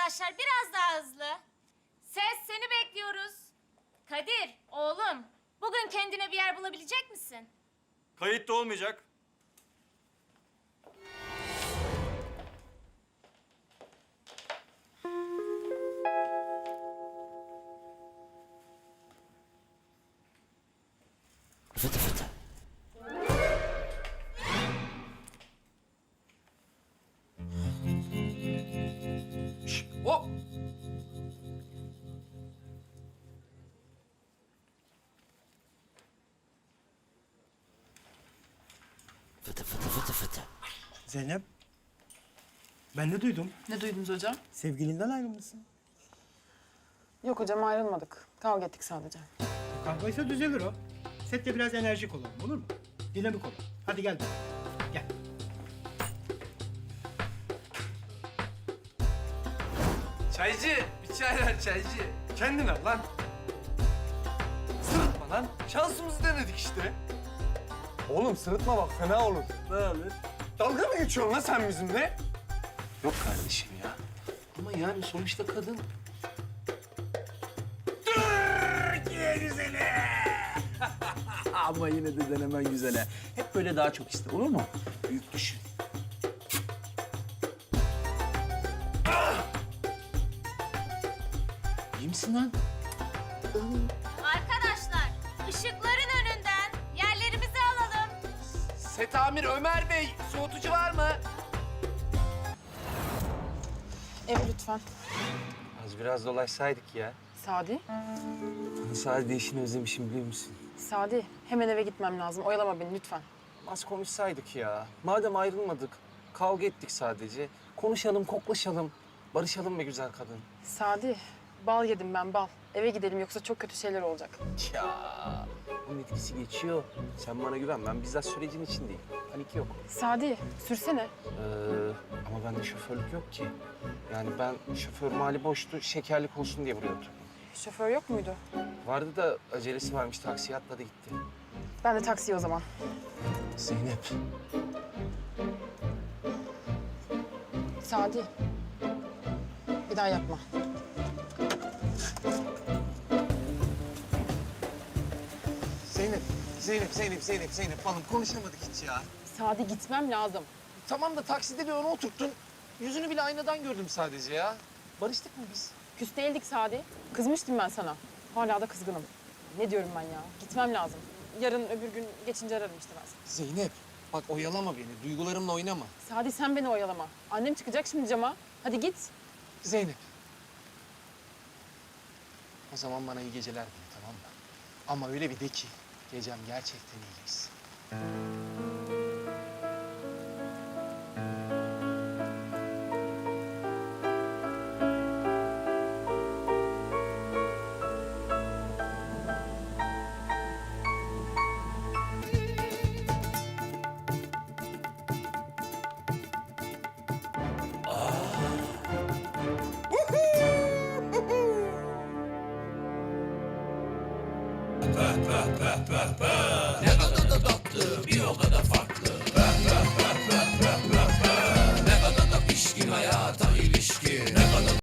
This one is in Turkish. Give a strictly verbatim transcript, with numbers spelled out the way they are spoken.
arkadaşlar, biraz daha hızlı. Ses, seni bekliyoruz. Kadir, oğlum, bugün kendine bir yer bulabilecek misin? Kayıt da olmayacak. Fıtı fıtı. Şşş, hop! Fıtı fıtı fıtı fıtı. Zeynep, ben de duydum. Ne duydunuz hocam? Sevgilinden ayrılmışsın. Yok hocam ayrılmadık. Kavga ettik sadece. Kavgaysa düzelir o. Sette biraz enerjik olalım, olur mu? Dinamik olalım. Hadi gel. Gel. Çaycı, bir çay ver çaycı. Kendin al lan. Sırıtma lan. Şansımızı denedik işte. Oğlum sırıtma bak fena olur. Ne olur? Dalga mı geçiyorsun lan sen bizimle? Yok kardeşim ya. Ama yani sonuçta kadın. Türkiye güzeli. Ama yine de denemen güzel ha. Hep böyle daha çok iste, olur mu? Büyük düşün. İyi misin lan? Arkadaşlar, ışıkların önünden yerlerimizi alalım. Set amir Ömer Bey, soğutucu var mı? Ev lütfen. Az biraz dolaşsaydık ya. Sadi. Hani sadece işini özlemişim biliyor musun? Sadi, hemen eve gitmem lazım. Oyalama beni lütfen. Az konuşsaydık ya. Madem ayrılmadık, kavga ettik sadece. Konuşalım, koklaşalım. Barışalım be güzel kadın. Sadi, bal yedim ben bal. Eve gidelim yoksa çok kötü şeyler olacak. Ya bunun etkisi geçiyor. Sen bana güven. Ben bizzat sürecin içindeyim. Panik yok. Sadi, sürsene. Ee, ama bende şoförlük yok ki. Yani ben şoför mali boştu, şekerlik olsun diye buraya oturdum. Şoför yok muydu? Vardı da acelesi varmış. Taksiye atladı gitti. Ben de taksiye o zaman. Zeynep. Sadi, bir daha yapma. Zeynep, Zeynep, Zeynep, Zeynep, Zeynep falan konuşamadık hiç ya. Sadi gitmem lazım. Tamam da takside bir öne oturttun. Yüzünü bile aynadan gördüm sadece ya. Barıştık mı biz? Küs değildik Sadi. Kızmıştım ben sana. Hala da kızgınım. Ne diyorum ben ya? Gitmem lazım. Yarın öbür gün geçince ararım işte ben seni. Zeynep, bak oyalama beni. Duygularımla oynama. Sadi sen beni oyalama. Annem çıkacak şimdi cama. Hadi git. Zeynep. O zaman bana iyi geceler de tamam mı? Ama öyle bir de ki gecem gerçekten iyi geçsin. Ne kadar da tatlı, bir o kadar farklı.